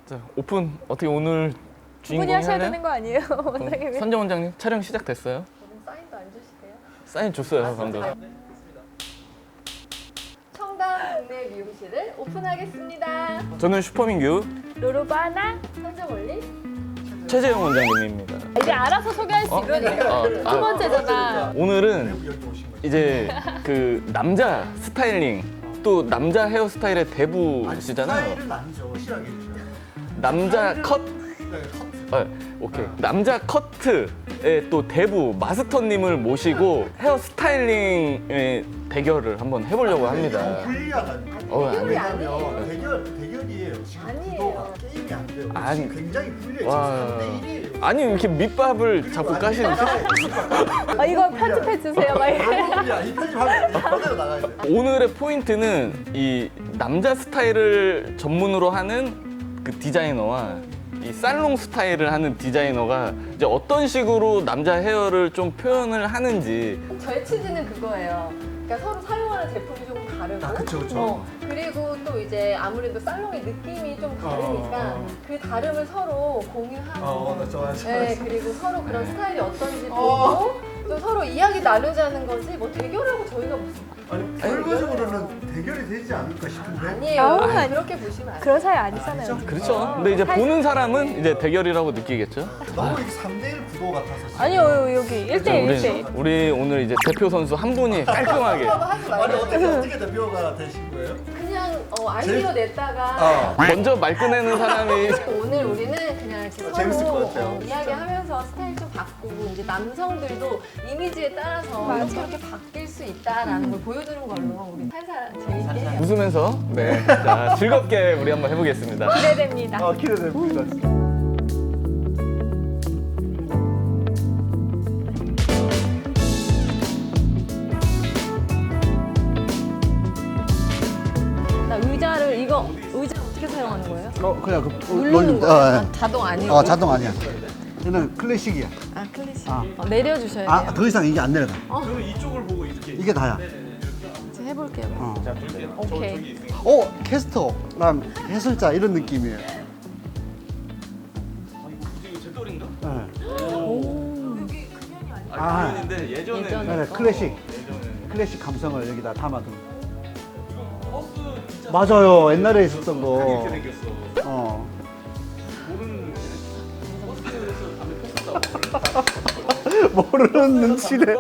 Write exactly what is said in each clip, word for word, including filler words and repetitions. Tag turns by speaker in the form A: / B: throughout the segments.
A: 자, 오픈 어떻게 오늘
B: 분이
A: 주인공이
B: 하셔야
A: 할래요?
B: 되는 거 아니에요, 원장님이?
A: 선정 원장님 촬영 시작됐어요?
B: 저는 사인도 안 주시대요?
A: 사인 줬어요 방금.
B: 청담 국내 미용실을 오픈하겠습니다.
A: 저는 슈퍼민규
B: 로로바나 선정원리
A: 최재영 원장님입니다.
B: 이제 알아서 소개할 수
A: 어?
B: 있거든요.
A: 어,
B: 두
A: 아.
B: 번째잖아.
A: 오늘은 이제 그 남자 스타일링 또 남자 헤어스타일의 대부시잖아요.
C: 스타일은 아니죠. 실하게 해주죠.
A: 남자 컷.
C: 네, 커트.
A: 어, 오케이. 남자 커트의 또 대부 마스터님을 모시고 헤어 스타일링의 대결을 한번 해보려고 합니다.
C: 어, 불리하다니까.
A: 어,
B: 대결이
A: 아니.
B: 아니에요.
C: 왜냐면 대결, 대결이에요. 지금
B: 아니에요.
C: 구도가 게임이 안 돼요.
A: 아니.
C: 지금 굉장히 불리해요.
A: 와.
C: 지금 삼 대 일이에요.
A: 아니 이렇게 밑밥을 자꾸 까시는데
B: 아, 이거 편집해 주세요, 막 이렇게.
C: 이 편집하면 그대로 나가야 돼.
A: 오늘의 포인트는 이 남자 스타일을 전문으로 하는 그 디자이너와 이 살롱 스타일을 하는 디자이너가 이제 어떤 식으로 남자 헤어를 좀 표현을 하는지.
B: 저의 취지는 그거예요. 그러니까 서로 사용하는 제품이 조금 다르고,
C: 아, 그쵸, 그쵸.
B: 어, 그리고 또 이제 아무래도 살롱의 느낌이 좀 다르니까
C: 어, 어, 어.
B: 그 다름을 서로 공유하고,
C: 어, 나 좋아요, 좋아요.
B: 네, 그리고 서로 그런 스타일이 어떤지
C: 어.
B: 보고 또 서로 이야기 나누자는 거지 뭐 대결하고 저희가 무슨
C: 아니, 결과적으로는 대결이 되지 않을까 싶은데.
B: 아니에요.
D: 아우,
B: 아,
D: 아니.
B: 그렇게 보시면 안 돼요.
D: 그런 사이 아니잖아요.
A: 그렇죠. 근데 이제 보는 사람은 이제 대결이라고 느끼겠죠.
C: 너무 이게 삼 대 일 구도 같아서. 지금.
D: 아니요, 여기 일 대 일, 일 대 일.
A: 우리, 우리 오늘 이제 대표 선수 한 분이 깔끔하게.
B: 하지
C: 아니,
B: 말고
C: 어떻게, 어떻게 대표가 되신 거예요?
B: 그냥 어, 아이디어
C: 제일-
B: 냈다가
C: 어.
A: 먼저 말 꺼내는 사람이
B: 오늘 우리는 그냥 이렇게 서로
C: 재밌을 것 같아요.
B: 어, 이야기하면서 스타일 좀 바꾸고 이제 남성들도 이미지에 따라서 이렇게 이렇게 바뀔 수 있다라는 걸 보여주는 걸로 우리 살살 재밌게
A: 웃으면서 네, 자, 즐겁게 우리 한번 해보겠습니다.
D: 기대됩니다.
C: 아, 기대됩니다.
D: 나 의자를 이거 의자 어떻게 사용하는 거예요?
C: 어, 그냥 그
B: 누르는 거예요? 아, 자동 아니고?
C: 어, 자동 아니야. 얘는 클래식이야.
B: 아 클래식
C: 아.
B: 어, 내려주셔야 돼요.
C: 아, 더 이상 이게 안 내려가.
A: 저는 이쪽을 보고 이렇게.
C: 이게 다야.
B: 제가 해볼게요.
C: 어.
B: 오케이.
C: 어, 캐스터랑 해설자 이런 느낌이에요.
A: 이거 제 또리인가?
C: 네.
A: 아,
C: 아.
A: 근데 예전에
B: 예전에.
C: 네, 클래식. 클래식 감성을 여기다 담아둔. 맞아요. 옛날에 있었던 거.
A: 생겼어.
C: 어.
A: 모르는
C: 모르는 눈치래.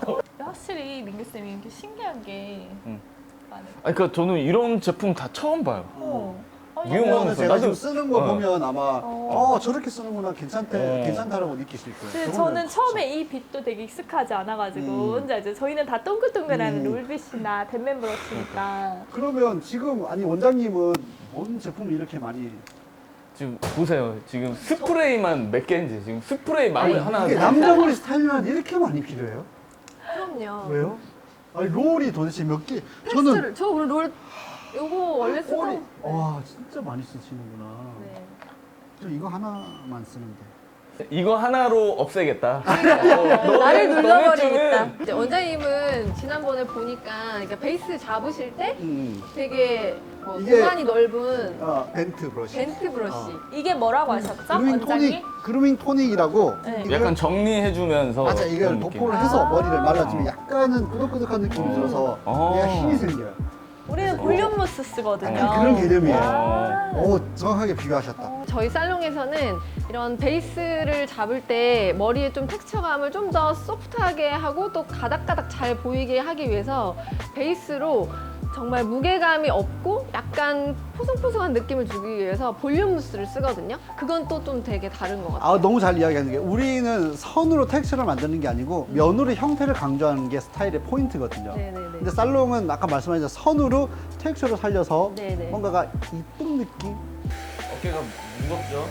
D: 확실히 민규 쌤이 이렇게 신기한 게
A: 응.
D: 많아요.
A: 아니 그러니까 저는 이런 제품 다 처음 봐요.
D: 어.
A: 유용하면서
C: 제가
A: 나도-
C: 지금 쓰는 거
A: 어.
C: 보면 아마
D: 어.
C: 어, 저렇게 쓰는구나 괜찮대
A: 어.
C: 괜찮다라고 느끼실 거예요.
D: 근데
C: 저거는
D: 저는 처음에 이 빛도 되게 익숙하지 않아가지고
C: 음.
D: 혼자 이제 저희는 다 동글동글한
C: 음.
D: 롤빛이나 댄맨 브러쉬니까
C: 그러면 지금 아니 원장님은 뭔 제품을 이렇게 많이
A: 지금 보세요. 지금 스프레이만 몇 개인지 지금 스프레이 마음에 하나.
C: 이게 남자 머리 스타일만 이렇게 많이 필요해요?
B: 그럼요.
C: 왜요? 아니 롤이 도대체 몇 개? 저는
B: 텍스트를 저 오늘 롤 요거 원래 쓰던
C: 롤이 와 진짜 많이 쓰시는구나.
B: 네.
C: 저 이거 하나만 쓰는데.
A: 이거 하나로 없애겠다. 어,
B: 나를
A: 너네-
B: 눌러버리겠다.
A: 너네쯤은
B: 이제 원장님은 지난번에 보니까 그러니까 베이스 잡으실 때
C: 음.
B: 되게 뭐
C: 이게-
B: 공간이 넓은
C: 아 벤트 브러쉬.
B: 벤트 브러쉬.
C: 어.
D: 이게 뭐라고 하셨죠?
C: 그루밍
D: 원장님?
C: 토닉 그루밍 토닉이라고.
D: 네.
C: 이걸-
A: 약간 정리해주면서
C: 맞아 이걸
A: 그런 느낌.
C: 도포를 해서
D: 아.
C: 머리를 말아주면 약간은 꾸덕꾸덕한 느낌이 들어서
A: 어.
C: 얘가 힘이 생겨요.
D: 우리는 볼륨 무스 쓰거든요.
C: 약간 그런 개념이에요.
D: 아.
C: 오 정확하게 비교하셨다.
B: 저희 살롱에서는 이런 베이스를 잡을 때 머리에 좀 텍스처감을 좀 더 소프트하게 하고 또 가닥가닥 잘 보이게 하기 위해서 베이스로 정말 무게감이 없고 약간 포송포송한 느낌을 주기 위해서 볼륨 무스를 쓰거든요. 그건 또 좀 되게 다른 것 같아요.
C: 아 너무 잘 이야기하는 게 우리는 선으로 텍스처를 만드는 게 아니고 면으로 형태를 강조하는 게 스타일의 포인트거든요.
B: 네네네.
C: 근데 살롱은 아까 말씀하신 선으로 텍스처를 살려서
B: 네네.
C: 뭔가가 이쁜 느낌?
A: 어깨가 무겁죠?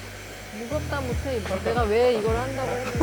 B: 무겁다 못해 내가 왜 이걸 한다고 했는지.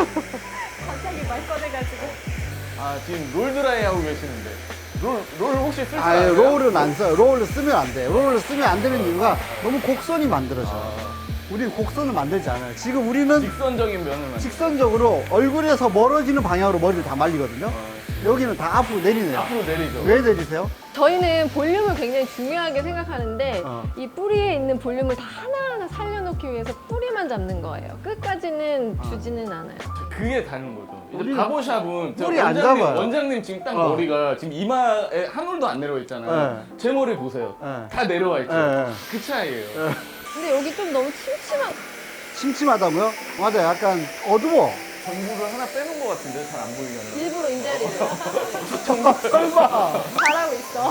D: 갑자기 말 꺼내가지고.
A: 아 지금 롤 드라이 하고 계시는데 롤, 롤 혹시 쓸줄
C: 아예
A: 알아요?
C: 롤은 안 써요. 롤을 쓰면 안 돼. 롤을 쓰면 안 되는 이유가 너무 곡선이 만들어져. 요
A: 아,
C: 우리는 곡선을 만들지 않아요. 지금 우리는
A: 직선적인 면을 만
C: 직선적으로 얼굴에서 멀어지는 방향으로 머리를 다 말리거든요.
A: 아,
C: 여기는 다 앞으로 내리네요.
A: 앞으로 내리죠.
C: 왜 내리세요?
B: 저희는 볼륨을 굉장히 중요하게 생각하는데
C: 어.
B: 이 뿌리에 있는 볼륨을 다 하나하나 살려놓기 위해서 뿌리만 잡는 거예요. 끝까지는 주지는 않아요.
A: 그게 다른 거죠. 이제
C: 우리는
A: 바보샵은 저
C: 뿌리 안
A: 원장님,
C: 잡아요.
A: 원장님 지금 딱
C: 어.
A: 머리가 지금 이마에 한 올도 안 내려와 있잖아요. 제 머리 보세요.
C: 네.
A: 다 내려와 있죠.
C: 네.
A: 그 차이예요.
B: 근데 여기 좀 너무 침침한
C: 침침하다고요? 맞아요. 약간 어두워.
A: 전구를 하나 빼놓은 것 같은데 잘 안 보이게 하는.
B: 일부러 인자리를
C: 설마.
B: 잘하고 있어.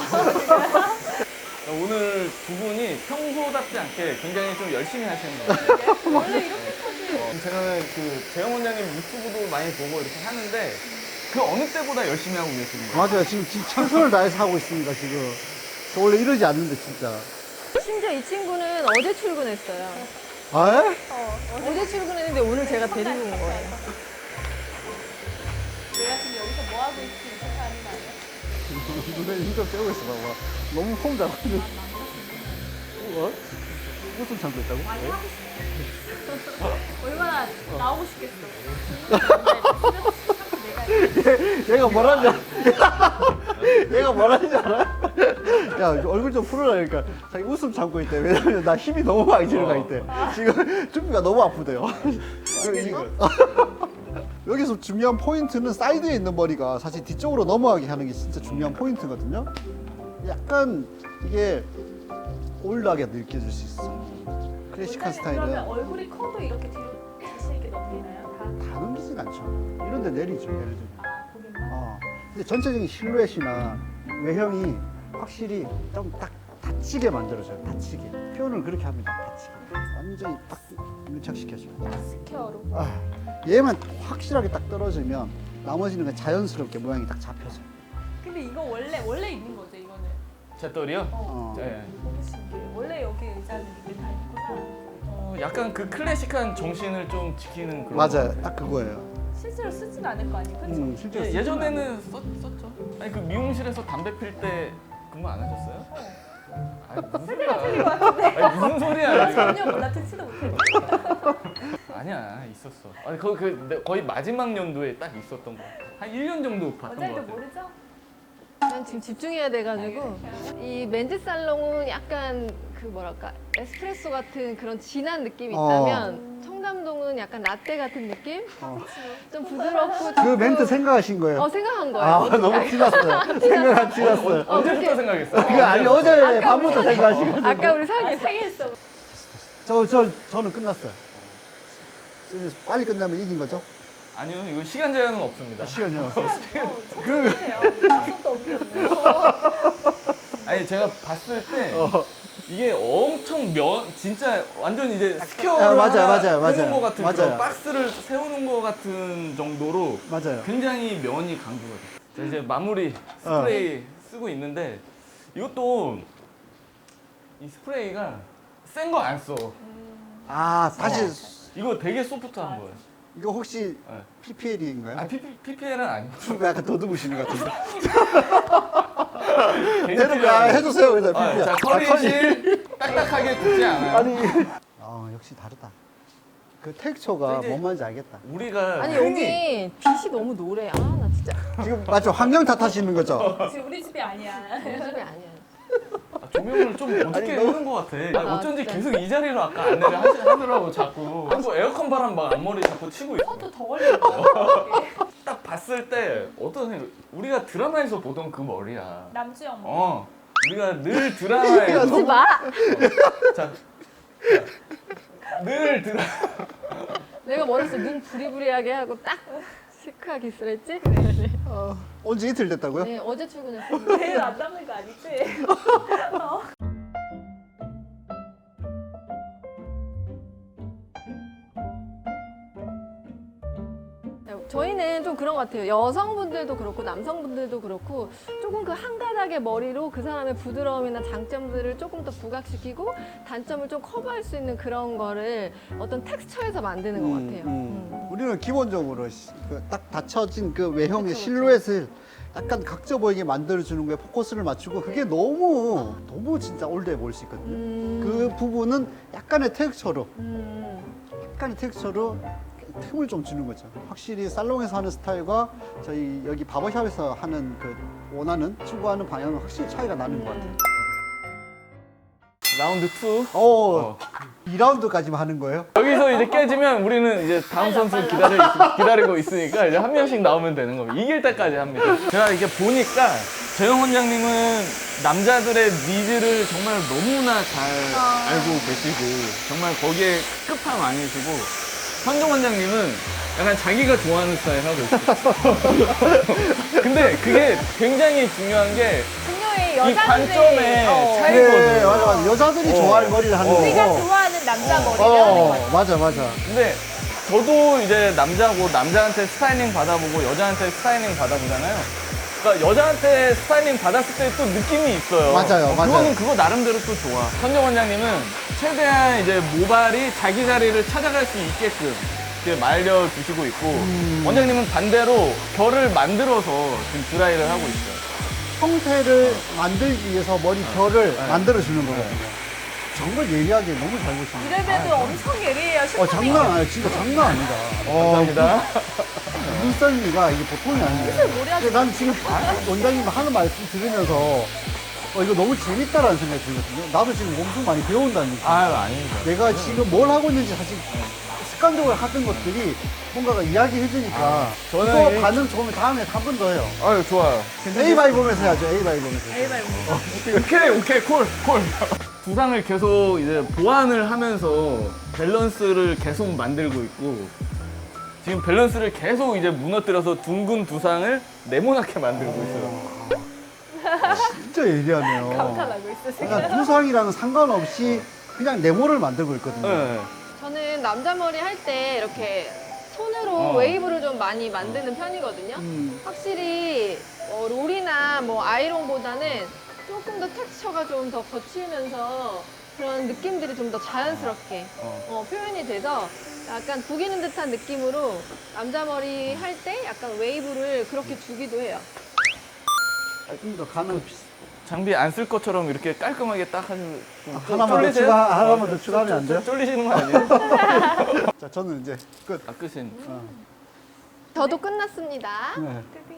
A: 오늘 두 분이 평소답지 않게 굉장히 좀 열심히 하시는 것 같아요.
B: 원래 이렇게까지
A: 어, 제가 그 재영 원장님 유튜브도 많이 보고 이렇게 하는데 그 어느 때보다 열심히 하고 계시는 거예요.
C: 맞아요. 지금, 지금 최선을 다해서 하고 있습니다, 지금. 저 원래 이러지 않는데, 진짜.
B: 심지어 이 친구는 어제 출근했어요.
C: 아?
B: 어제 출근했는데 오늘 제가 데리고 온 거예요.
D: 내가 지금 여기서 뭐 하고 있지 생각하는 거 아니야?
C: 눈에 힘좀 빼고 있어, 봐봐. 너무 폼 잡아가지고. 어? 무슨 참고 있다고?
D: 얼마나 나오고 싶겠어.
C: 얘, 얘가 뭐라는 줄 알아? 얘가 뭐라는 줄 알아? 야, 얼굴 좀 풀어라니까. 자기 웃음 참고 있대. 왜냐면 나 힘이 너무 많이 들어가 있대. 지금 준비가 너무 아프대요. 여기서 중요한 포인트는 사이드에 있는 머리가 사실 뒤쪽으로 넘어가게 하는 게 진짜 중요한 포인트거든요. 약간 이게 올드하게 느껴질 수 있어. 클래식한 스타일은
D: 그러면 얼굴이 커도 이렇게 뒤로 자신 있게 넘기나요? 다?
C: 다 넘기진 않죠. 이런 데 내리죠, 예를 들면.
D: 아, 보기만?
C: 어. 근데 전체적인 실루엣이나 외형이 확실히 좀 딱 닫히게 만들어져요. 닫히게. 표현을 그렇게 합니다. 닫히게. 완전히 딱 밀착시켜줘요.
D: 스퀘어로.
C: 아, 얘만 확실하게 딱 떨어지면 나머지는 그냥 자연스럽게 모양이 딱 잡혀져요.
D: 근데 이거 원래 원래 있는 거죠 이거는?
A: 제 떨이요?
C: 어.
A: 네.
D: 너무 신기해. 원래 여기 의자는 이게 다 있구나.
A: 어, 약간 그 클래식한 정신을 좀 지키는 그런.
C: 맞아요. 딱 그거예요.
D: 실제로 쓰진 않을 거 아니에요, 그렇죠?
C: 음, 실제로
A: 예,
C: 쓰지는
A: 예전에는 썼, 썼죠. 아니 그 미용실에서 담배 필 때 근무 안 하셨어요? 아니 무슨 소리야? 아니 무슨 소리야? 이거.
D: 전혀 몰라 듣지도 못해.
A: 아니야 있었어. 아니 거의 그 내- 거의 마지막 연도에 딱 있었던 거. 한 일 년 정도 봤던 거
D: 원장님도
A: 같아.
D: 모르죠?
B: 난 지금 집중해야 돼가지고 이 멘즈 살롱은 약간 그 뭐랄까 에스프레소 같은 그런 진한 느낌이
C: 어.
B: 있다면 청담동은 약간 라떼 같은 느낌? 좀 부드럽고
C: 그 멘트 생각하신 거예요?
B: 어 생각한 거예요.
C: 아,
B: 어떻게
C: 너무
B: 알지?
C: 티났어요. 생각 안 티났어요.
A: 언제부터
B: 그렇게-
A: 생각했어?
C: 그거 아니, 어제 밤부터 생각하시거든요.
B: 아까 우리
D: 아,
B: 상의
D: 상했어.
C: 저, 저, 저는 끝났어요. 빨리 끝나면 이긴 거죠?
A: 아니요 이거 시간 제한은 없습니다.
C: 시간이 없어.
D: 그... 약속도 없겠네.
A: 아니 제가 봤을 때
C: 어.
A: 이게 엄청 면 진짜 완전 이제 스퀘어를
C: 아, 맞아요,
A: 하나
C: 맞아요,
A: 해놓은
C: 맞아요.
A: 것 같은
C: 맞아요.
A: 그런 박스를 세우는 것 같은 정도로
C: 맞아요.
A: 굉장히 면이 강조가 돼요. 자, 이제 마무리 스프레이 쓰고 있는데 이것도 이 스프레이가 센 거 안 써.
C: 아, 사실
A: 이거 되게 소프트한 거예요.
C: 이거 혹시
A: 네.
C: 피피엘인가요?
A: 아 피피엘은 아니고.
C: 약간 더듬으시는 것 같은데.
A: 개인
C: 대답
A: 필요한
C: 아,
A: 거.
C: 해주세요. 그래서
A: 아,
C: 피피엘.
A: 자 커리실 딱딱하게 굽지 않아요.
C: 아니. 아, 역시 다르다. 그 텍스처가
A: 이제-
C: 뭔 말인지 알겠다.
A: 우리가
B: 아니
A: 흔히
B: 여기 빛이 너무 노래. 아 나 진짜
C: 지금 맞죠? 환경 탓하시는 거죠?
D: 지금 우리 집이 아니야.
B: 우리 집이 아니야.
A: 아, 조명을 좀 어떻게
C: 아니, 너무-
A: 끄는 것 같아. 아니,
B: 아,
A: 어쩐지
B: 진짜.
A: 계속 이 자리로 아까 안내를 하시, 하더라고 자꾸. 자꾸 에어컨 바람 막 앞머리 자꾸 치고 있어.
D: 저도 더 걸리는
A: 딱 봤을 때 어떤 생각? 우리가 드라마에서 보던 그 머리야.
D: 남주영.
A: 어. 우리가 늘 드라마에서
B: 하지 마.
A: 자, 자, 늘 드라.
B: 내가 뭐랬어? 눈 부리부리하게 하고 딱 시크하게 있으랬지?
C: 어, 온지 이틀 됐다고요?
B: 네 어제 출근했어.
D: 내일 안 남는 거 아니지?
B: 저희는 좀 그런 것 같아요. 여성분들도 그렇고 남성분들도 그렇고 조금 그 한 가닥의 머리로 그 사람의 부드러움이나 장점들을 조금 더 부각시키고 단점을 좀 커버할 수 있는 그런 거를 어떤 텍스처에서 만드는 것 같아요. 음.
C: 우리는 기본적으로 시- 그딱 닫혀진 그 외형의
B: 그쵸, 그쵸.
C: 실루엣을 약간 각져 보이게 만들어주는 거에 포커스를 맞추고 그게 너무 너무 진짜 올드해 보일 수 있거든요.
B: 음.
C: 그 부분은 약간의 텍스처로
B: 음.
C: 약간의 텍스처로 틈을 좀 주는 거죠. 확실히 살롱에서 하는 스타일과 저희 여기 바버샵에서 하는 그 원하는 추구하는 방향은 확실히 차이가 나는 것 같아요.
A: 라운드 투.
C: 오,
A: 어.
C: 이 라운드까지만 하는 거예요?
A: 여기서 이제 깨지면 우리는 이제 다음 선수 기다리, 기다리고 있으니까 이제 한 명씩 나오면 되는 겁니다. 이길 때까지 합니다. 제가 이게 보니까 재영 원장님은 남자들의 니즈를 정말 너무나 잘 알고 계시고 정말 거기에 끝판 아니시고 현종 원장님은 약간 자기가 좋아하는 스타일 하고 있어요. 근데 그게 굉장히 중요한 게
D: 분명히
A: 이
D: 여자들이
A: 관점의
D: 어,
A: 차이거든요.
C: 네, 맞아, 맞아. 여자들이
A: 어.
C: 좋아하는 머리를 하는
A: 어.
C: 거고.
D: 우리가 좋아하는 남자
A: 어.
D: 머리를 하는
C: 어,
D: 거야.
C: 맞아, 맞아.
A: 근데 저도 이제 남자고 남자한테 스타일링 받아보고 여자한테 스타일링 받아보잖아요. 그러니까 여자한테 스타일링 받았을 때 또 느낌이 있어요.
C: 맞아요,
A: 어,
C: 맞아요.
A: 그거는 그거 나름대로 또 좋아. 현정 원장님은 최대한 이제 모발이 자기 자리를 찾아갈 수 있게끔 이렇게 말려주시고 있고
C: 음.
A: 원장님은 반대로 결을 만들어서 지금 드라이를 하고 있어요.
C: 형태를 만들기 위해서 머리 결을
A: 네.
C: 만들어주는 거거든요. 정말 예리하게 너무 잘 보시네요.
D: 이래봬도 엄청 예리해요.
C: 어,
D: 슈퍼맨.
C: 장난 아니에요. 진짜 장난 아니다.
A: 감사합니다.
C: 눈썰미가 이게 보통이 아니에요.
D: 머리 아주
C: 근데 난 지금 원장님 하는 말씀 들으면서 어, 이거 너무 재밌다라는 생각이 들거든요. 나도 지금 엄청 많이 배운다는 느낌.
A: 아유 아닙니다.
C: 내가 지금 뭘 하고 있는지 사실 습관적으로 하던 것들이 뭔가가 이야기해주니까
A: 아, 저는
C: 이거
A: 이-
C: 반응 좋으면 다음에 한 번 더 해요.
A: 아유 좋아요.
C: A 바이 보면서 해야죠. A 바이 보면서.
D: 에이바이 뭐.
A: 오케이 오케이 콜 콜. 부상을 계속 이제 보완을 하면서 밸런스를 계속 만들고 있고 지금 밸런스를 계속 이제 무너뜨려서 둥근 두상을 네모나게 만들고 있어요.
C: 진짜 예리하네요.
D: 감탄하고 있어 지금.
C: 그러니까 두상이랑은 상관없이 그냥 네모를 만들고 있거든요.
A: 네.
B: 저는 남자 머리 할 때 이렇게 손으로
A: 어.
B: 웨이브를 좀 많이 만드는 편이거든요.
C: 음.
B: 확실히 어, 롤이나 뭐 아이론보다는 조금 더 텍스처가 좀 더 거칠면서 그런 느낌들이 좀 더 자연스럽게
A: 어.
B: 어, 표현이 돼서 약간 구기는 듯한 느낌으로 남자 머리 할 때 약간 웨이브를 그렇게 주기도 해요.
C: 좀 더 가는 비슷.
A: 장비 안 쓸 것처럼 이렇게 깔끔하게 딱 하시면 좀 쫄-
C: 하나만 더
A: 쫄리세요?
C: 추가, 하나만
A: 어,
C: 더 추가하면 안 돼요?
A: 쫄리시는 거 아니에요?
C: 자, 저는 이제 끝.
A: 아 끝인.
C: 어.
B: 저도 끝났습니다.
C: 네.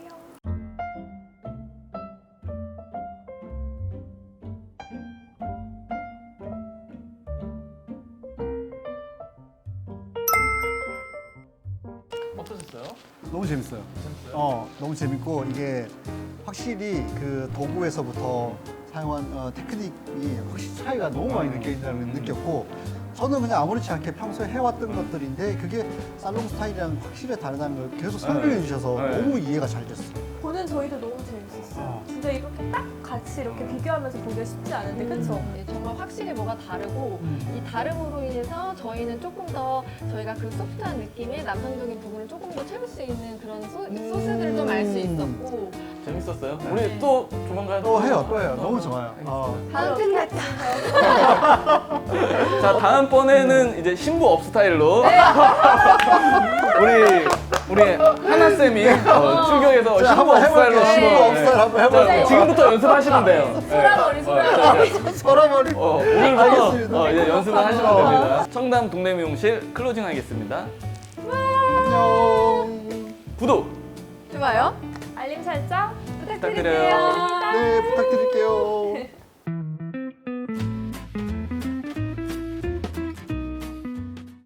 A: 어떠셨어요?
C: 너무 재밌어요. 어, 너무 재밌고 이게 확실히 그 도구에서부터 사용한 어, 테크닉이 확실히 차이가 너무 많이 느껴진다는 걸 느꼈고 저는 그냥 아무렇지 않게 평소에 해왔던 것들인데 그게 살롱 스타일이랑 확실히 다르다는 걸 계속 설명해 주셔서
A: 네.
C: 너무 이해가 잘 됐어요.
D: 보는 저희도 너무 재밌었어요.
C: 어.
D: 진짜 이렇게 딱 같이 이렇게 비교하면서 보기가 쉽지 않은데 그쵸?
B: 네, 정말 확실히 뭐가 다르고
C: 음.
B: 이 다름으로 인해서 저희는 조금 더 저희가 그 소프트한 느낌의 남성적인 부분을 조금 더 채울 수 있는 그런 소, 소스들을 좀 알 수 있었고
A: 재밌었어요?
B: 네.
A: 우리 또 조만간
C: 또 해요, 또 해요. 너무 좋아요. 어.
B: 다음 팬레터
A: 자 다음번에는 이제 신부 업 스타일로
B: 네.
A: 우리 우리 하나 쌤이 어, 출격해서
C: 자,
A: 신부
C: 한번
A: 업 스타일로
C: 해볼게요. 신부
A: 한번,
C: 업 스타일 한번
A: 자,
C: 해볼게요.
A: 지금부터 연습하시면 돼요.
D: 소라머리,
A: 네.
D: 소라머리.
A: 어, 자,
C: 서라버리.
A: 어, 오늘부터
C: 알겠습니다.
A: 어, 이제 연습을 하시면 됩니다. 청담 동네 미용실 클로징 하겠습니다.
C: 안녕.
A: 구독
B: 좋아요.
D: 알림 설정
A: 부탁드려요.
D: 부탁드릴게요.
C: 네, 부탁드릴게요.